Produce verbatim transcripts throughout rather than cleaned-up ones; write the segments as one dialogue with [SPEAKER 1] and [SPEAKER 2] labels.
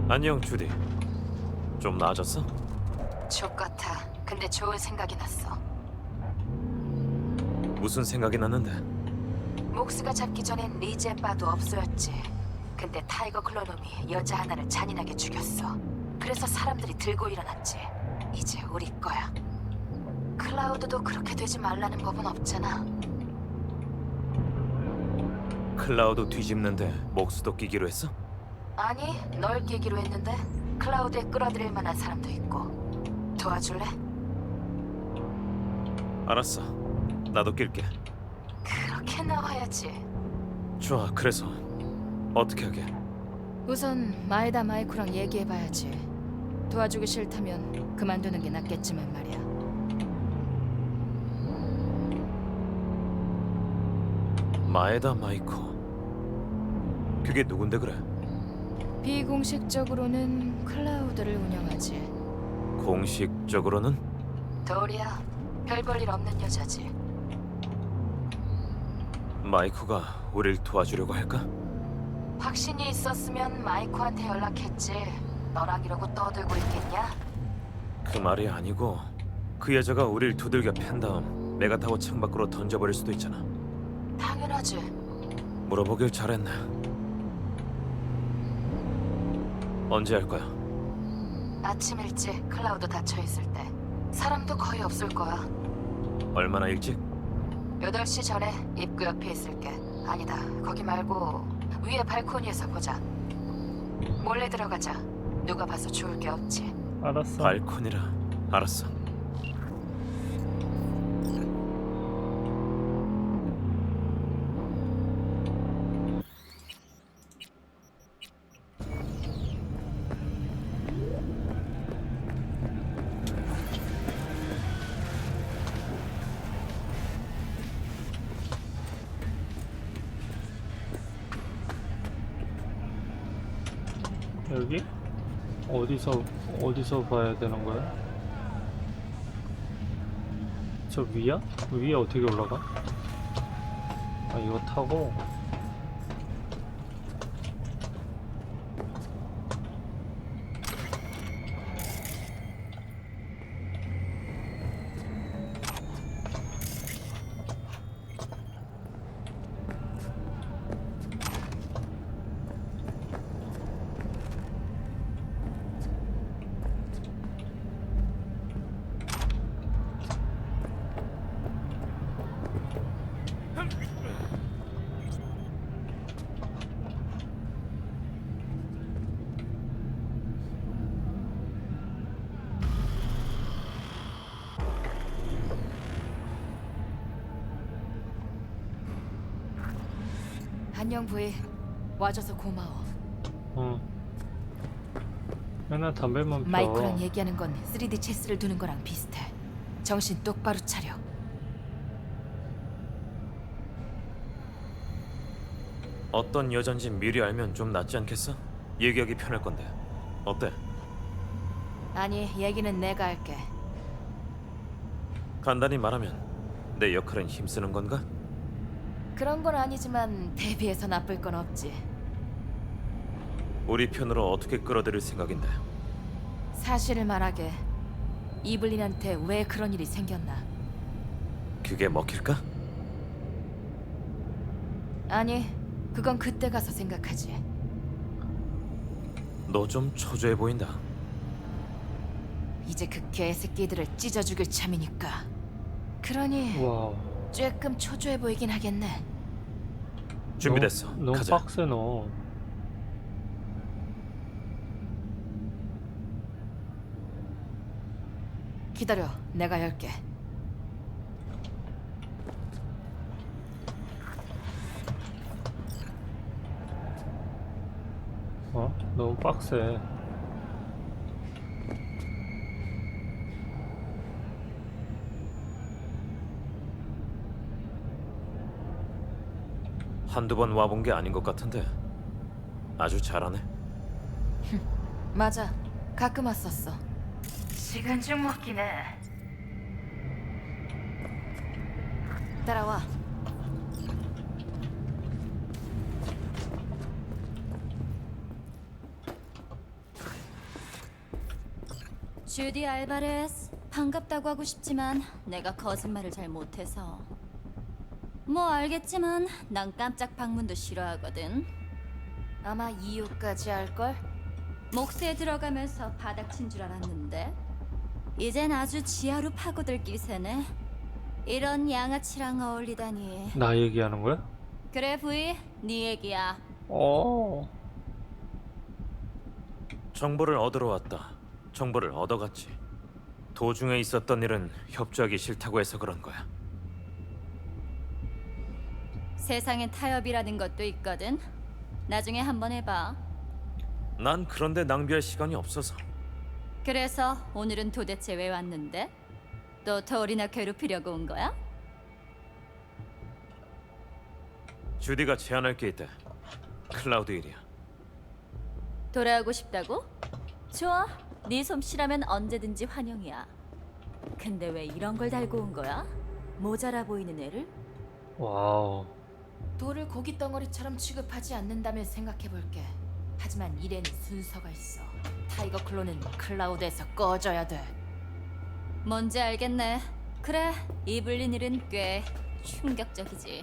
[SPEAKER 1] 안녕 주디. 좀 나아졌어?
[SPEAKER 2] 족같아. 근데 좋은 생각이 났어.
[SPEAKER 1] 무슨 생각이 났는데?
[SPEAKER 2] 목스가 잡기 전엔 리젠 바도 없어였지. 근데 타이거 클로놈이 여자 하나를 잔인하게 죽였어. 그래서 사람들이 들고 일어났지. 이제 우리 거야. 클라우드도 그렇게 되지 말라는 법은 없잖아.
[SPEAKER 1] 클라우드 뒤집는데 목수도 끼기로 했어?
[SPEAKER 2] 아니, 널 끼기로 했는데 클라우드에 끌어들일 만한 사람도 있고. 도와줄래?
[SPEAKER 1] 알았어. 나도 낄게.
[SPEAKER 2] 그렇게 나와야지.
[SPEAKER 1] 좋아. 그래서 어떻게 하게?
[SPEAKER 3] 우선 마에다 마이코랑 얘기해봐야지. 도와주기 싫다면 그만두는 게 낫겠지만 말이야.
[SPEAKER 1] 마에다 마이코. 그게 누군데 그래?
[SPEAKER 3] 비공식적으로는 클라우드를 운영하지.
[SPEAKER 1] 공식적으로는?
[SPEAKER 2] 도리야, 별 볼 일 없는 여자지.
[SPEAKER 1] 마이코가 우릴 도와주려고 할까?
[SPEAKER 2] 확신이 있었으면 마이코한테 연락했지. 너랑 이러고 떠들고 있겠냐?
[SPEAKER 1] 그 말이 아니고 그 여자가 우릴 두들겨 팬 다음 내가 타고 창밖으로 던져버릴 수도 있잖아.
[SPEAKER 2] 당연하지.
[SPEAKER 1] 물어보길 잘했네. 언제 할 거야?
[SPEAKER 2] 아침 일찍 클라우드 닫혀있을 때. 사람도 거의 없을 거야.
[SPEAKER 1] 얼마나 일찍?
[SPEAKER 2] 여덟 시 전에 입구 옆에 있을게. 아니다, 거기 말고 위에 발코니에서 보자. 몰래 들어가자. 누가 봐서 좋을 게 없지.
[SPEAKER 4] 알았어.
[SPEAKER 1] 발코니라. 알았어.
[SPEAKER 4] 여기? 어디서 어디서 봐야 되는 거야? 저 위야? 위에 어떻게 올라가? 아, 이거 타고.
[SPEAKER 3] 안녕 부이. 와줘서 고마워.
[SPEAKER 4] 응. 맨날 담배만 펴.
[SPEAKER 3] 마이코랑 얘기하는 건 쓰리디 체스를 두는 거랑 비슷해. 정신 똑바로 차려.
[SPEAKER 1] 어떤 여잔지 미리 알면 좀 낫지 않겠어? 얘기하기 편할 건데. 어때?
[SPEAKER 3] 아니, 얘기는 내가 할게.
[SPEAKER 1] 간단히 말하면 내 역할은 힘쓰는 건가?
[SPEAKER 3] 그런 건 아니지만 대비해서 나쁠 건 없지.
[SPEAKER 1] 우리 편으로 어떻게 끌어들일 생각인데?
[SPEAKER 3] 사실을 말하게. 이블린한테 왜 그런 일이 생겼나?
[SPEAKER 1] 그게 먹힐까?
[SPEAKER 3] 아니, 그건 그때 가서 생각하지.
[SPEAKER 1] 너 좀 초조해 보인다.
[SPEAKER 3] 이제 그 개새끼들을 찢어 죽일 참이니까. 그러니
[SPEAKER 4] 와우.
[SPEAKER 3] 조금 초조해 보이긴 하겠네.
[SPEAKER 1] 준비됐어.
[SPEAKER 4] 너무, 너무
[SPEAKER 1] 가자.
[SPEAKER 4] 빡세 너.
[SPEAKER 3] 기다려, 내가 열게.
[SPEAKER 4] 어? 너무 빡세.
[SPEAKER 1] 한두 번 와본 게 아닌 것 같은데 아주 잘하네.
[SPEAKER 3] 맞아, 가끔 왔었어.
[SPEAKER 2] 시간 좀 먹긴 해.
[SPEAKER 3] 따라와.
[SPEAKER 5] 주디 알바레스, 반갑다고 하고 싶지만 내가 거짓말을 잘 못해서. 뭐 알겠지만 난 깜짝 방문도 싫어하거든.
[SPEAKER 3] 아마 이유까지 알걸?
[SPEAKER 5] 목수에 들어가면서 바닥친 줄 알았는데 이젠 아주 지하로 파고들 기세네. 이런 양아치랑 어울리다니.
[SPEAKER 4] 나 얘기하는 거야?
[SPEAKER 5] 그래 부이, 네 얘기야.
[SPEAKER 4] 어.
[SPEAKER 1] 정보를 얻으러 왔다. 정보를 얻어갔지. 도중에 있었던 일은 협조하기 싫다고 해서 그런 거야.
[SPEAKER 5] 세상엔 타협이라는 것도 있거든. 나중에 한번 해봐.
[SPEAKER 1] 난 그런데 낭비할 시간이 없어서.
[SPEAKER 5] 그래서 오늘은 도대체 왜 왔는데? 또 더울이나 괴롭히려고 온 거야?
[SPEAKER 1] 주디가 제안할 게 있대. 클라우드 일이야.
[SPEAKER 5] 돌아오고 싶다고? 좋아. 네 솜씨라면 언제든지 환영이야. 근데 왜 이런 걸 달고 온 거야? 모자라 보이는 애를?
[SPEAKER 4] 와우.
[SPEAKER 3] 돌을 고기 덩어리처럼 취급하지 않는다면 생각해볼게. 하지만 일에는 순서가 있어. 타이거 클로는 클라우드에서 꺼져야 돼.
[SPEAKER 5] 뭔지 알겠네. 그래, 이블린 일은 꽤 충격적이지.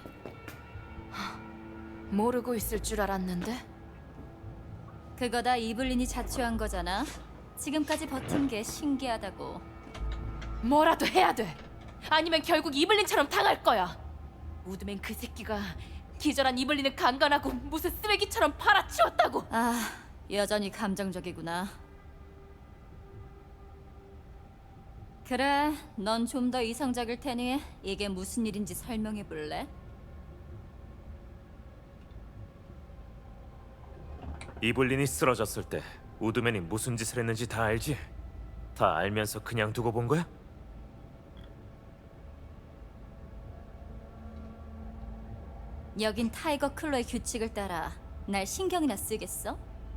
[SPEAKER 3] 모르고 있을 줄 알았는데.
[SPEAKER 5] 그거 다 이블린이 자초한 거잖아. 지금까지 버틴 게 신기하다고.
[SPEAKER 3] 뭐라도 해야 돼. 아니면 결국 이블린처럼 당할 거야. 우드맨 그 새끼가 기절한 이블린을 강간하고 무슨 쓰레기처럼 팔아치웠다고.
[SPEAKER 5] 아, 여전히 감정적이구나. 그래, 넌 좀 더 이성적일 테니 이게 무슨 일인지 설명해 볼래?
[SPEAKER 1] 이블린이 쓰러졌을 때 우드맨이 무슨 짓을 했는지 다 알지? 다 알면서 그냥 두고 본 거야?
[SPEAKER 5] 여긴 타이거 클로의 규칙을 따라 날 신경이나 쓰겠어?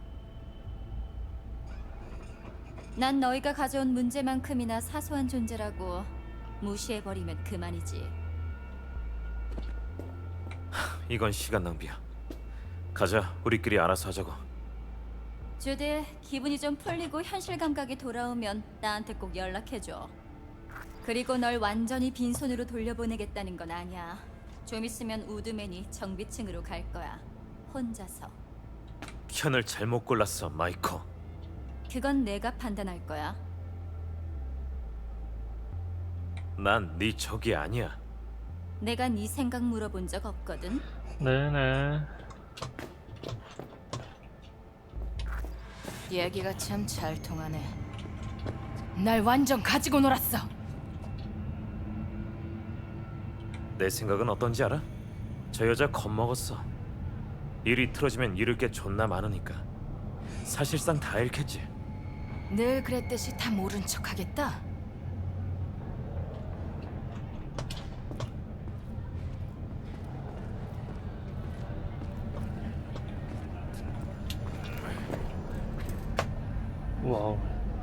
[SPEAKER 5] 난 너희가 가져온 문제만큼이나 사소한 존재라고 무시해버리면 그만이지.
[SPEAKER 1] 이건 시간 낭비야. 가자, 우리끼리 알아서 하자고.
[SPEAKER 5] 주디, 기분이 좀 풀리고 현실 감각이 돌아오면 나한테 꼭 연락해줘. 그리고 널 완전히 빈손으로 돌려보내겠다는 건 아니야. 좀 있으면 우드맨이 정비층으로 갈 거야. 혼자서.
[SPEAKER 1] 편을 잘못 골랐어, 마이코.
[SPEAKER 5] 그건 내가 판단할 거야.
[SPEAKER 1] 난 네 적이 아니야.
[SPEAKER 5] 내가 네 생각 물어본 적 없거든.
[SPEAKER 4] 네네.
[SPEAKER 3] 얘기가 참 잘 통하네. 날 완전 가지고 놀았어.
[SPEAKER 1] 내 생각은 어떤지 알아? 저 여자 겁먹었어. 일이 틀어지면 잃을 게 존나 많으니까. 사실상 다 잃겠지.
[SPEAKER 3] 늘 그랬듯이 다 모른 척하겠다.
[SPEAKER 4] 와우.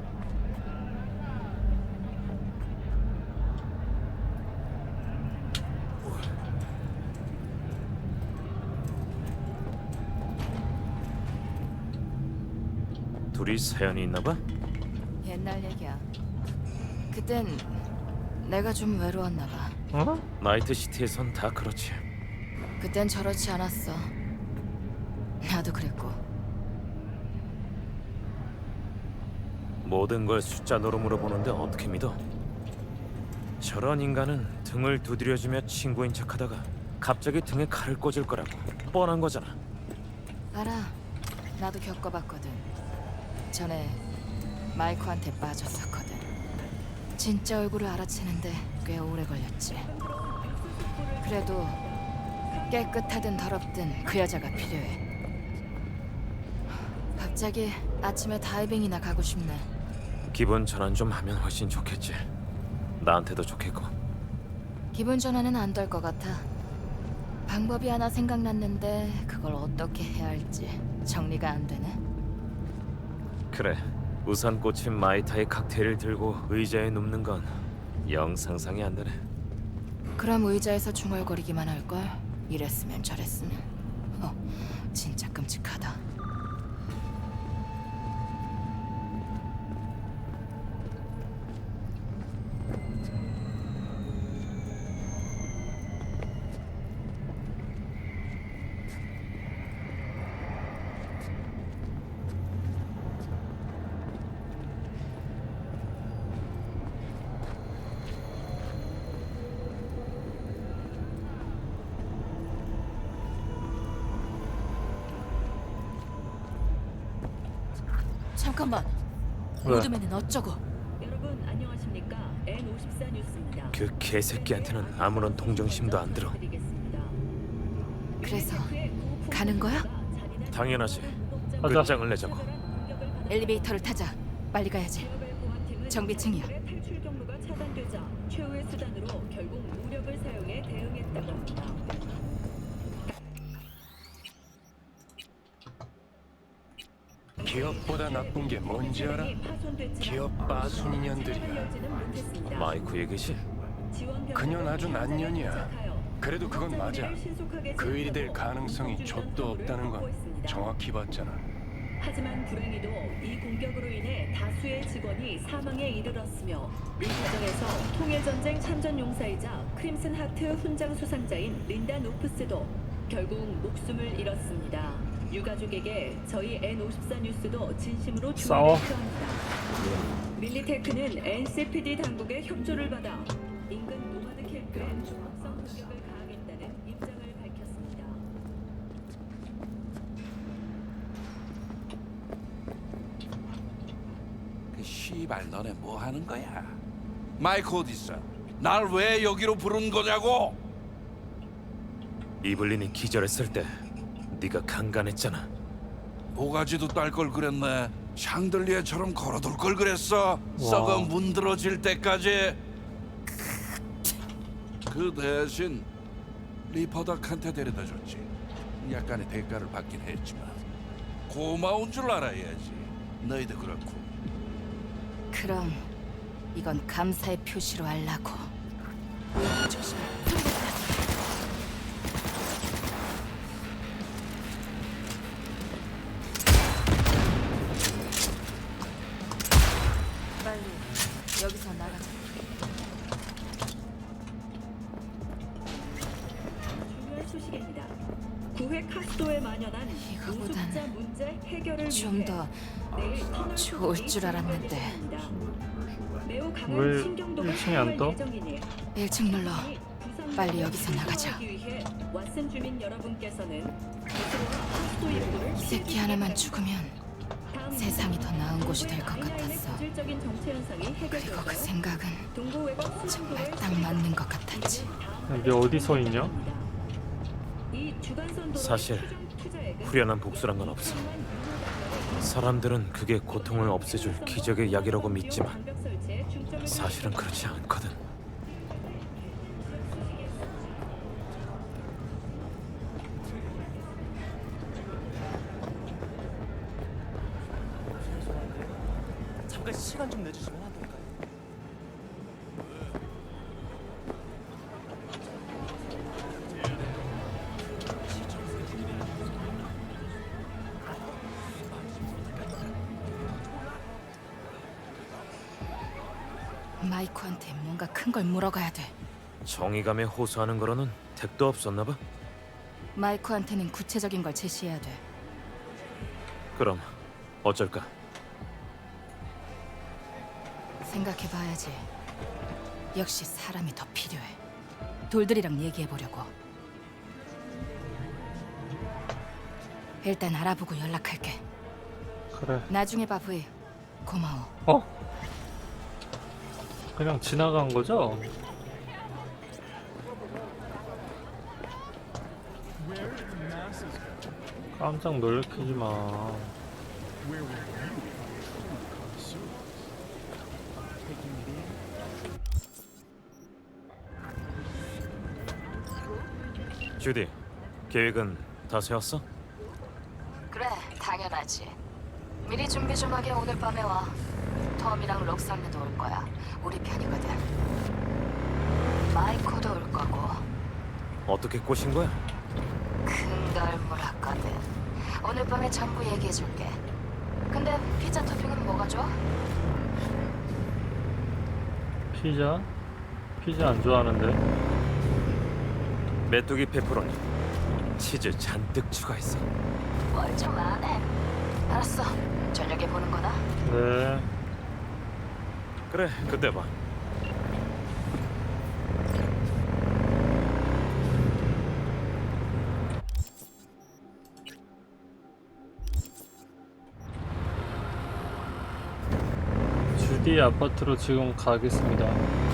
[SPEAKER 1] 둘이 사연이 있나 봐?
[SPEAKER 3] 옛날 얘기야. 그땐 내가 좀 외로웠나 봐.
[SPEAKER 4] 어?
[SPEAKER 1] 나이트시티에선 다 그렇지.
[SPEAKER 3] 그땐 저렇지 않았어. 나도 그랬고.
[SPEAKER 1] 모든 걸 숫자 노름으로 보는데 어떻게 믿어? 저런 인간은 등을 두드려주며 친구인 척하다가 갑자기 등에 칼을 꽂을 거라고 뻔한 거잖아.
[SPEAKER 3] 알아. 나도 겪어봤거든. 전에 마이코한테 빠졌었거든. 진짜 얼굴을 알아채는데 꽤 오래 걸렸지. 그래도 깨끗하든 더럽든 그 여자가 필요해. 갑자기 아침에 다이빙이나 가고 싶네.
[SPEAKER 1] 기분 전환 좀 하면 훨씬 좋겠지. 나한테도 좋겠고.
[SPEAKER 3] 기분 전환은 안 될 것 같아. 방법이 하나 생각났는데 그걸 어떻게 해야 할지 정리가 안 되네.
[SPEAKER 1] 그래, 우산 꽂힌 마이타이 칵테일을 들고 의자에 눕는 건 영 상상이 안 되네.
[SPEAKER 3] 그럼 의자에서 중얼거리기만 할걸? 이랬으면 저랬으면. 어, 진짜 끔찍하다. 잠깐만.
[SPEAKER 4] 왜?
[SPEAKER 3] 우드맨은 어쩌고?
[SPEAKER 6] 여러분 안녕하십니까? 엔 오십사 뉴스입니다.
[SPEAKER 1] 그 개새끼한테는 아무런 동정심도 안 들어.
[SPEAKER 3] 그래서 가는 거야?
[SPEAKER 1] 당연하지.
[SPEAKER 4] 가자.
[SPEAKER 1] 끝장을 내자고.
[SPEAKER 3] 엘리베이터를 타자. 빨리 가야지. 정비층이야.
[SPEAKER 6] 탈출 경로가 차단되자 최후의 수단으로 결국 무력을 사용해 대응했다고 합니다.
[SPEAKER 7] 기업보다 나쁜 게 뭔지 알아? 기업 빠순이년들이야.
[SPEAKER 1] 마이크 얘기지?
[SPEAKER 7] 그년 아주 난년이야. 그래도 그건 맞아. 그 일이 될 가능성이 족도 없다는 건 정확히 봤잖아.
[SPEAKER 6] 하지만 불행히도 이 공격으로 인해 다수의 직원이 사망에 이르렀으며 이 과정에서 통일전쟁 참전용사이자 크림슨 하트 훈장 수상자인 린다 노프스도 결국 목숨을 잃었습니다. 유가족에게 저희 엔 오십사 뉴스도 진심으로
[SPEAKER 4] 싸워.
[SPEAKER 6] 주의를 표합니다. 밀리테크는 엔씨피디 당국의 협조를 받아 인근 노마드 캠프에 중국성 공격을 가하겠다는 입장을 밝혔습니다.
[SPEAKER 8] 그 씨발 너네 뭐 하는 거야? 마이크 어딨어? 날 왜 여기로 부른 거냐고?
[SPEAKER 1] 이블린이 기절했을 때 네가 강간했잖아.
[SPEAKER 8] 모가지도 딸 걸 그랬네. 샹들리에처럼 걸어둘 걸 그랬어. 썩어 문드러질 때까지. 그 대신 리퍼덕한테 데려다 줬지. 약간의 대가를 받긴 했지만 고마운 줄 알아야지. 너희도 그렇고.
[SPEAKER 3] 그럼 이건 감사의 표시로 하려고. 조심. 빨리 여기서 나가자.
[SPEAKER 6] 중요한 소식입니다. 구획 카스도에 만연한
[SPEAKER 3] 이거보단
[SPEAKER 6] 노숙자 문제 해결을
[SPEAKER 3] 좀
[SPEAKER 6] 위해
[SPEAKER 3] 더
[SPEAKER 6] 내일 터널
[SPEAKER 3] 좋을
[SPEAKER 6] 소식이
[SPEAKER 3] 줄 알았는데.
[SPEAKER 6] 진행됩니다. 매우 강한
[SPEAKER 4] 왜
[SPEAKER 6] 신경도가
[SPEAKER 4] 일 층에 안
[SPEAKER 6] 사용할
[SPEAKER 4] 떠?
[SPEAKER 6] 예정이니
[SPEAKER 3] 일 층 눌러.
[SPEAKER 6] 부산
[SPEAKER 3] 빨리 여기서 나가자.
[SPEAKER 6] 하기 위해 왓슨 주민 여러분께서는 스스로와 카스도 입구를
[SPEAKER 3] 이 새끼 하나만 죽으면
[SPEAKER 6] 다음
[SPEAKER 3] 세상이 더 나은 곳이 될 것
[SPEAKER 6] 아인라인의
[SPEAKER 3] 같았어.
[SPEAKER 6] 고질적인 정체 현상이
[SPEAKER 3] 그리고 그
[SPEAKER 6] 해결되고요.
[SPEAKER 3] 생각은
[SPEAKER 6] 동부 외곽
[SPEAKER 3] 정말 딱 맞는 것 같았지.
[SPEAKER 4] 이게 어디서 있냐?
[SPEAKER 6] 이 주간선도로의
[SPEAKER 1] 사실
[SPEAKER 6] 최종 투자액은
[SPEAKER 1] 후련한 복수란 건 없어. 사람들은 그게 고통을 없애줄 기적의 약이라고 믿지만
[SPEAKER 6] 방벽 설치에 중점을
[SPEAKER 1] 사실은 그렇지 않거든.
[SPEAKER 9] 잠깐 시간 좀 내주시면 안 될까요?
[SPEAKER 3] 마이코한테 뭔가 큰 걸 물어가야 돼.
[SPEAKER 1] 정의감에 호소하는 거로는 택도 없었나 봐.
[SPEAKER 3] 마이코한테는 구체적인 걸 제시해야 돼.
[SPEAKER 1] 그럼 어쩔까?
[SPEAKER 3] 생각해봐야지. 역시 사람이 더 필요해. 돌들이랑 얘기해보려고. 일단 알아보고 연락할게.
[SPEAKER 4] 그래.
[SPEAKER 3] 나중에 봐, 브이. 고마워.
[SPEAKER 4] 어? 그냥 지나간 거죠? 깜짝 놀래키지 마.
[SPEAKER 1] 주디, 계획은 다 세웠어?
[SPEAKER 2] 그래, 당연하지. 미리 준비 좀 하게 오늘 밤에 와. 톰이랑 록살리도 올 거야. 우리 편이거든. 마이코도 올 거고.
[SPEAKER 1] 어떻게 꼬신 거야?
[SPEAKER 2] 큰 걸 물었거든. 오늘 밤에 전부 얘기해줄게. 근데 피자 토핑은 뭐가 좋아?
[SPEAKER 4] 피자? 피자 안 좋아하는데.
[SPEAKER 1] 메뚜기 페퍼로니 치즈 잔뜩 추가했어.
[SPEAKER 2] 뭘 좀 안 해. 알았어. 저녁에 보는 거다.
[SPEAKER 4] 네.
[SPEAKER 1] 그래, 그때 봐.
[SPEAKER 4] 주디 아파트로 지금 가겠습니다.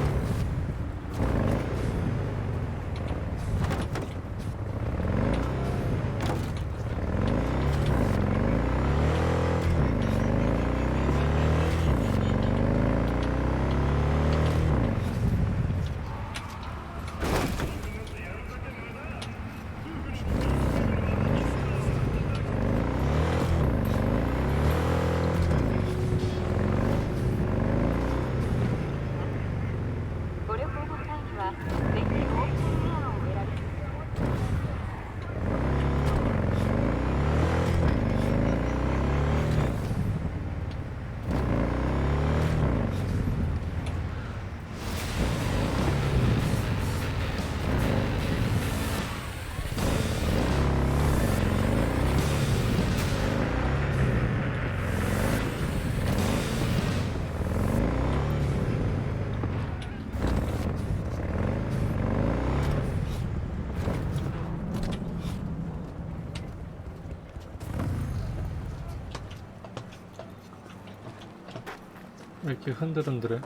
[SPEAKER 4] 왜 이렇게 흔들흔들해?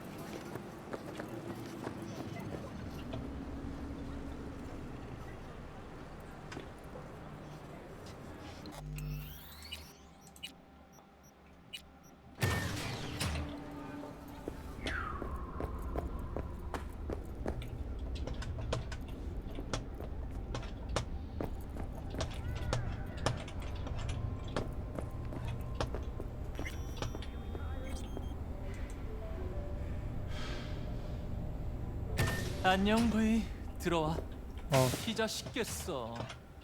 [SPEAKER 9] 안녕 브이. 들어와.
[SPEAKER 4] 어,
[SPEAKER 9] 피자 시켰어.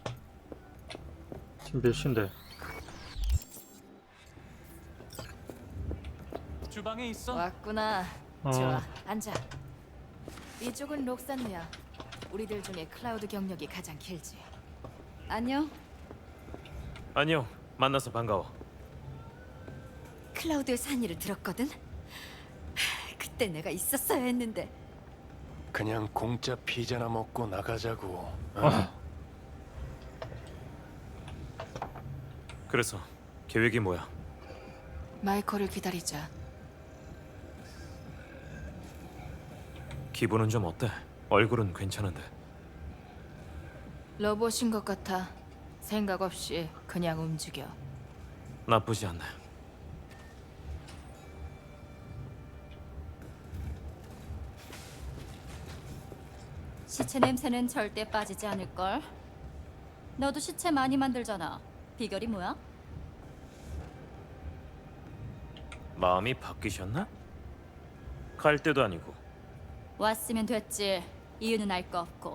[SPEAKER 4] 지금 몇 시인데?
[SPEAKER 9] 주방에 있어.
[SPEAKER 3] 왔구나.
[SPEAKER 4] 어.
[SPEAKER 3] 좋아, 앉아. 이쪽은 록산누야. 우리들 중에 클라우드 경력이 가장 길지.
[SPEAKER 5] 안녕.
[SPEAKER 1] 안녕. 만나서 반가워.
[SPEAKER 5] 클라우드의 산일을 들었거든. 하, 그때 내가 있었어야 했는데.
[SPEAKER 7] 그냥 공짜 피자나 먹고 나가자고. 어?
[SPEAKER 4] 아,
[SPEAKER 1] 그래서 계획이 뭐야?
[SPEAKER 3] 마이콜을 기다리자.
[SPEAKER 1] 기분은 좀 어때? 얼굴은 괜찮은데.
[SPEAKER 3] 로봇인 것 같아. 생각 없이 그냥 움직여.
[SPEAKER 1] 나쁘지 않네.
[SPEAKER 5] 시체 냄새는 절대 빠지지 않을걸. 너도 시체 많이 만들잖아. 비결이 뭐야?
[SPEAKER 1] 마음이 바뀌셨나? 갈 때도 아니고.
[SPEAKER 5] 왔으면 됐지. 이유는 알 거 없고.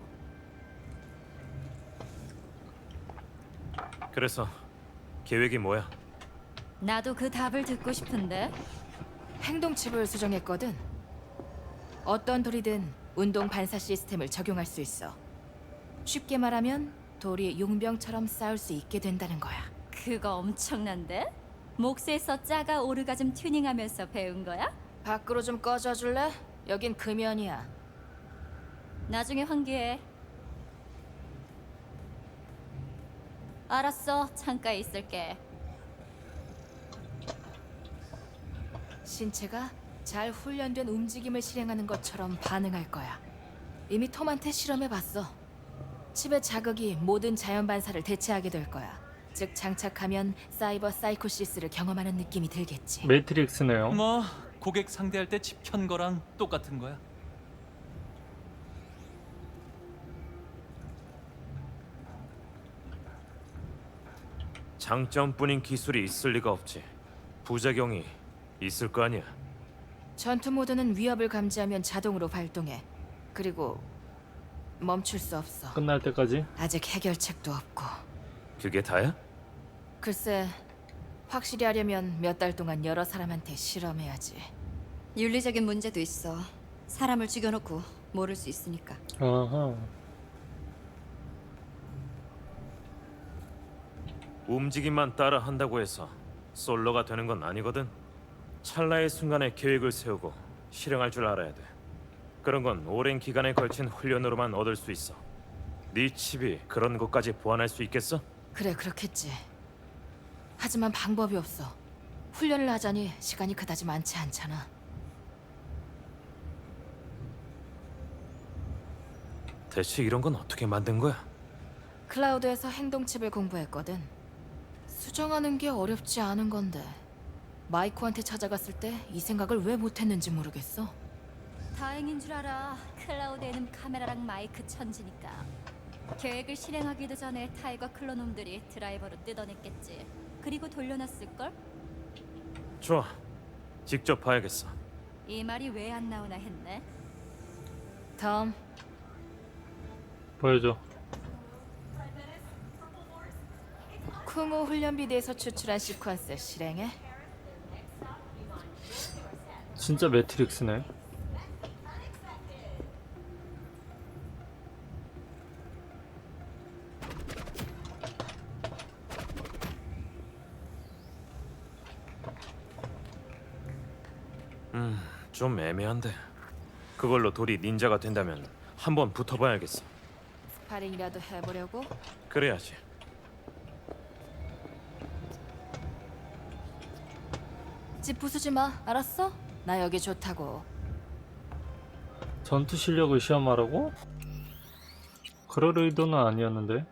[SPEAKER 1] 그래서 계획이 뭐야?
[SPEAKER 5] 나도 그 답을 듣고 싶은데.
[SPEAKER 3] 행동칩을 수정했거든. 어떤 돌이든 운동 반사 시스템을 적용할 수 있어. 쉽게 말하면 돌이 용병처럼 싸울 수 있게 된다는 거야.
[SPEAKER 5] 그거 엄청난데? 몫에서 짜가 오르가즘 튜닝하면서 배운 거야?
[SPEAKER 3] 밖으로 좀 꺼져 줄래? 여긴 금연이야.
[SPEAKER 5] 나중에 환기해. 알았어. 창가에 있을게.
[SPEAKER 3] 신체가 잘 훈련된 움직임을 실행하는 것처럼 반응할 거야. 이미 톰한테 실험해봤어. 칩의 자극이 모든 자연 반사를 대체하게 될 거야. 즉 장착하면 사이버 사이코시스를 경험하는 느낌이 들겠지.
[SPEAKER 4] 매트릭스네요.
[SPEAKER 9] 뭐 고객 상대할 때 칩 켠 거랑 똑같은 거야.
[SPEAKER 1] 장점뿐인 기술이 있을 리가 없지. 부작용이 있을 거 아니야.
[SPEAKER 3] 전투 모드는 위협을 감지하면 자동으로 발동해. 그리고 멈출 수 없어.
[SPEAKER 4] 끝날 때까지?
[SPEAKER 3] 아직 해결책도 없고.
[SPEAKER 1] 그게 다야?
[SPEAKER 3] 글쎄, 확실히 하려면 몇 달 동안 여러 사람한테 실험해야지.
[SPEAKER 5] 윤리적인 문제도 있어. 사람을 죽여놓고 모를 수 있으니까.
[SPEAKER 4] 아하.
[SPEAKER 1] 움직임만 따라 한다고 해서 솔로가 되는 건 아니거든. 찰나의 순간에 계획을 세우고 실행할 줄 알아야 돼. 그런 건 오랜 기간에 걸친 훈련으로만 얻을 수 있어. 네 칩이 그런 것까지 보완할 수 있겠어?
[SPEAKER 3] 그래, 그렇겠지. 하지만 방법이 없어. 훈련을 하자니 시간이 그다지 많지 않잖아.
[SPEAKER 1] 대체 이런 건 어떻게 만든 거야?
[SPEAKER 3] 클라우드에서 행동칩을 공부했거든. 수정하는 게 어렵지 않은 건데 마이코한테 찾아갔을 때 이 생각을 왜 못했는지 모르겠어.
[SPEAKER 5] 다행인 줄 알아. 클라우드에는 카메라랑 마이크 천지니까. 계획을 실행하기도 전에 타이거 클로놈들이 드라이버로 뜯어냈겠지. 그리고 돌려놨을걸?
[SPEAKER 1] 좋아, 직접 봐야겠어.
[SPEAKER 5] 이 말이 왜 안 나오나 했네.
[SPEAKER 3] 톰,
[SPEAKER 4] 보여줘.
[SPEAKER 3] 쿵우 훈련비대에서 추출한 시퀀스 실행해?
[SPEAKER 4] 진짜 매트릭스네.
[SPEAKER 1] 음, 좀 애매한데. 그걸로 돌이 닌자가 된다면 한번 붙어봐야겠어.
[SPEAKER 3] 스파링이라도 해보려고?
[SPEAKER 1] 그래야지.
[SPEAKER 3] 집 부수지 마, 알았어? 나 여기 좋다고.
[SPEAKER 4] 전투 실력을 시험하라고? 그럴 의도는 아니었는데.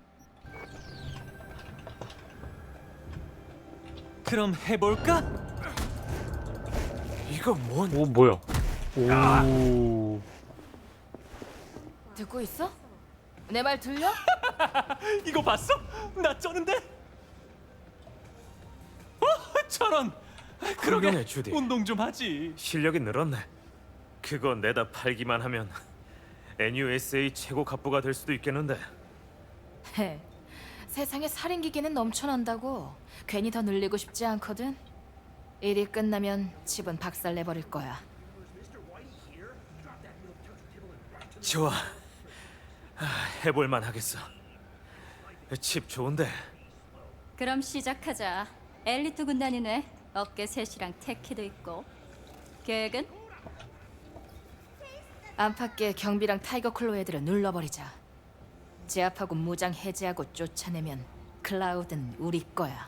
[SPEAKER 9] 그럼 해볼까?
[SPEAKER 1] 이거 뭔?
[SPEAKER 4] 오 뭐야? 오.
[SPEAKER 3] 듣고 있어? 내 말 들려?
[SPEAKER 9] 이거 봤어? 나 쩌는데? 어, 저런. 그러게
[SPEAKER 1] 훌륭해, 주디.
[SPEAKER 9] 운동 좀 하지.
[SPEAKER 1] 실력이 늘었네. 그거 내다 팔기만 하면 엔유에스에이 최고 갑부가 될 수도 있겠는데.
[SPEAKER 3] 헤, 세상에 살인 기계는 넘쳐난다고. 괜히 더 늘리고 싶지 않거든. 일이 끝나면 집은 박살내버릴 거야.
[SPEAKER 1] 좋아. 아, 해볼만 하겠어. 칩 좋은데.
[SPEAKER 5] 그럼 시작하자. 엘리트 군단이네. 어깨 셋이랑 테키도 있고. 계획은?
[SPEAKER 3] 안팎의 경비랑 타이거 클로 애들을 눌러버리자. 제압하고 무장 해제하고 쫓아내면 클라우드는 우리 거야.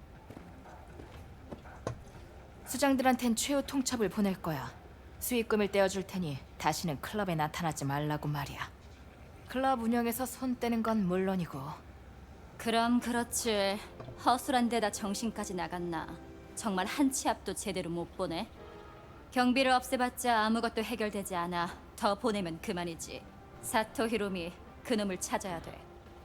[SPEAKER 3] 수장들한텐 최후 통첩을 보낼 거야. 수익금을 떼어줄 테니 다시는 클럽에 나타나지 말라고 말이야. 클럽 운영에서 손 떼는 건 물론이고.
[SPEAKER 5] 그럼 그렇지. 허술한 데다 정신까지 나갔나. 정말 한 치 앞도 제대로 못 보네. 경비를 없애봤자 아무것도 해결되지 않아. 더 보내면 그만이지. 사토 히로미, 그놈을 찾아야 돼.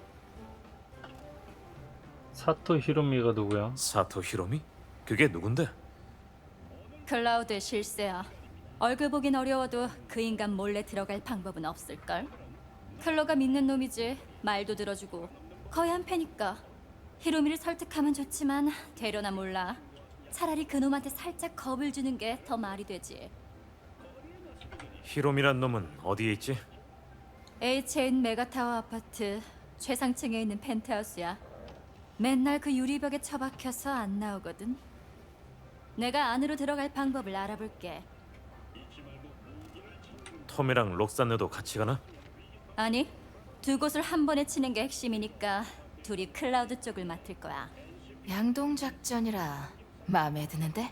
[SPEAKER 4] 사토 히로미가 누구야?
[SPEAKER 1] 사토 히로미? 그게 누군데?
[SPEAKER 5] 클라우드의 실세야. 얼굴 보긴 어려워도 그 인간 몰래 들어갈 방법은 없을걸? 클로가 믿는 놈이지. 말도 들어주고. 거의 한 패니까. 히로미를 설득하면 좋지만 되려나 몰라. 차라리 그놈한테 살짝 겁을 주는 게 더 말이 되지.
[SPEAKER 1] 히로미란 놈은 어디에 있지?
[SPEAKER 5] H인 메가타워 아파트 최상층에 있는 펜트하우스야. 맨날 그 유리벽에 처박혀서 안 나오거든. 내가 안으로 들어갈 방법을 알아볼게.
[SPEAKER 1] 톰이랑 록산느도 같이 가나?
[SPEAKER 5] 아니, 두 곳을 한 번에 치는 게 핵심이니까 둘이 클라우드 쪽을 맡을 거야.
[SPEAKER 3] 양동 작전이라 마음에 드는데?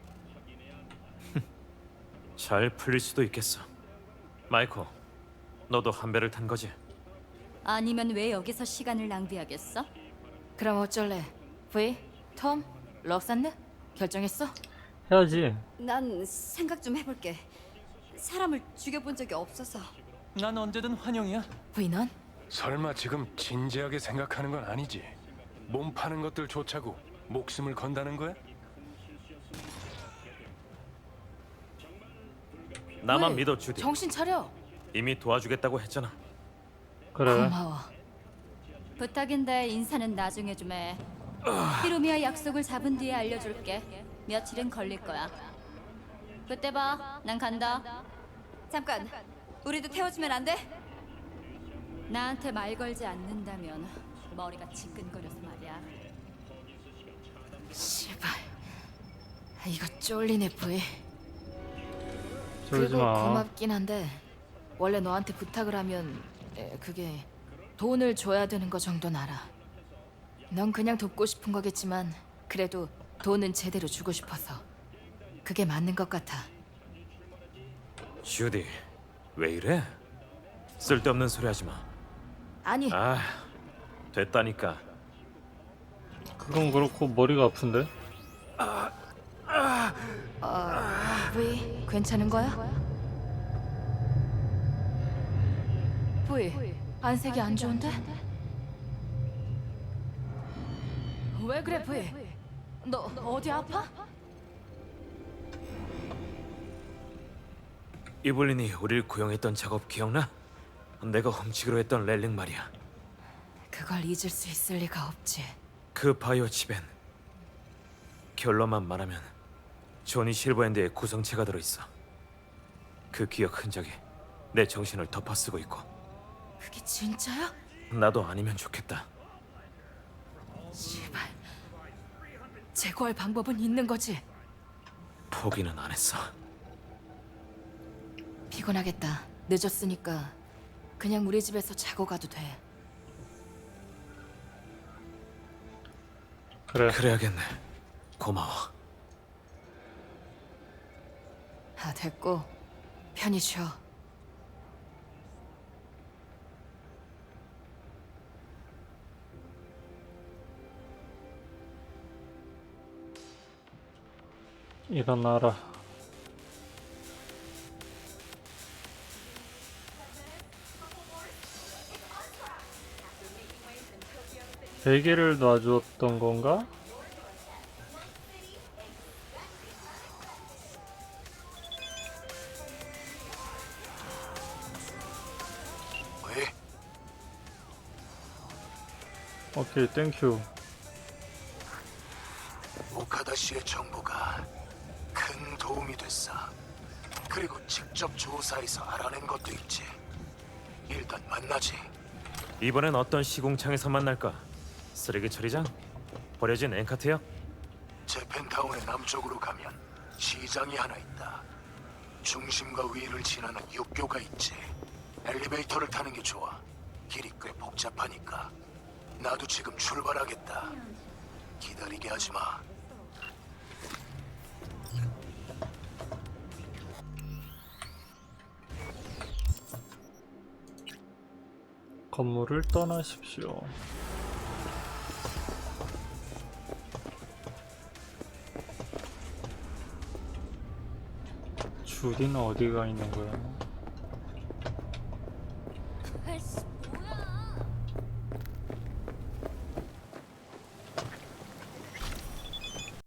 [SPEAKER 1] 잘 풀릴 수도 있겠어. 마이코, 너도 한 배를 탄 거지?
[SPEAKER 5] 아니면 왜 여기서 시간을 낭비하겠어?
[SPEAKER 3] 그럼 어쩔래? V, 톰, 럭산느? 결정했어?
[SPEAKER 4] 해야지.
[SPEAKER 5] 난 생각 좀 해볼게. 사람을 죽여본 적이 없어서.
[SPEAKER 9] 난 언제든 환영이야.
[SPEAKER 3] V 넌?
[SPEAKER 7] 설마 지금 진지하게 생각하는 건 아니지? 몸 파는 것들 좋자고 목숨을 건다는 거야?
[SPEAKER 1] 나만
[SPEAKER 3] 왜?
[SPEAKER 1] 믿어, 주디.
[SPEAKER 3] 정신 차려.
[SPEAKER 1] 이미 도와주겠다고 했잖아.
[SPEAKER 4] 그래.
[SPEAKER 3] 고마워.
[SPEAKER 5] 부탁인데 인사는 나중에 좀 해. 히로미와 약속을 잡은 뒤에 알려줄게. 며칠은 걸릴 거야. 그때 봐. 난 간다. 잠깐. 우리도 태워주면 안 돼? 나한테 말 걸지 않는다면 머리가 지끈거려서 말이야.
[SPEAKER 3] 씨발. 이거 쫄리네, V.
[SPEAKER 4] 쫄지
[SPEAKER 3] 그거
[SPEAKER 4] 마.
[SPEAKER 3] 고맙긴 한데 원래 너한테 부탁을 하면 에, 그게 돈을 줘야 되는 거 정도는 알아. 넌 그냥 돕고 싶은 거겠지만 그래도 돈은 제대로 주고 싶어서. 그게 맞는 것 같아.
[SPEAKER 1] 주디, 왜 이래? 쓸데없는 소리 하지 마.
[SPEAKER 3] 아니,
[SPEAKER 1] 아, 됐다니까.
[SPEAKER 4] 그건 그렇고 머리가 아픈데?
[SPEAKER 3] 브이, 괜찮은 거야? 브이, 안색이 안 좋은데? 왜 그래, 브이? 너 어디 아파?
[SPEAKER 1] 이블린이 우릴 고용했던 작업 기억나? 내가 훔치기로 했던 렐링 말이야.
[SPEAKER 3] 그걸 잊을 수 있을 리가 없지.
[SPEAKER 1] 그 바이오 칩엔 결론만 말하면 조니 실버핸드의 구성체가 들어있어. 그 기억 흔적이 내 정신을 덮어쓰고 있고.
[SPEAKER 3] 그게 진짜야?
[SPEAKER 1] 나도 아니면 좋겠다.
[SPEAKER 3] 제발. 제거할 방법은 있는 거지.
[SPEAKER 1] 포기는 안 했어.
[SPEAKER 3] 피곤하겠다. 늦었으니까 그냥 우리 집에서 자고 가도 돼.
[SPEAKER 4] 그래.
[SPEAKER 1] 그래야겠네. 고마워.
[SPEAKER 3] 아, 됐고 편히 쉬어.
[SPEAKER 4] 일어나라. 베개를 놔주었던 건가?
[SPEAKER 7] 왜?
[SPEAKER 4] 오케이, 땡큐.
[SPEAKER 7] 오카다 씨의 정보가 큰 도움이 됐어. 그리고 직접 조사해서 알아낸 것도 있지. 일단 만나지.
[SPEAKER 1] 이번엔 어떤 시공창에서 만날까? 쓰레기 처리장? 버려진 앵카트역?
[SPEAKER 7] 재팬타운의 남쪽으로 가면 시장이 하나 있다. 중심과 위를 지나는 육교가 있지. 엘리베이터를 타는 게 좋아. 길이 꽤 복잡하니까. 나도 지금 출발하겠다. 기다리게 하지 마.
[SPEAKER 4] 건물을 떠나십시오. 주디는 어디가 있는 거야?
[SPEAKER 5] 아이씨,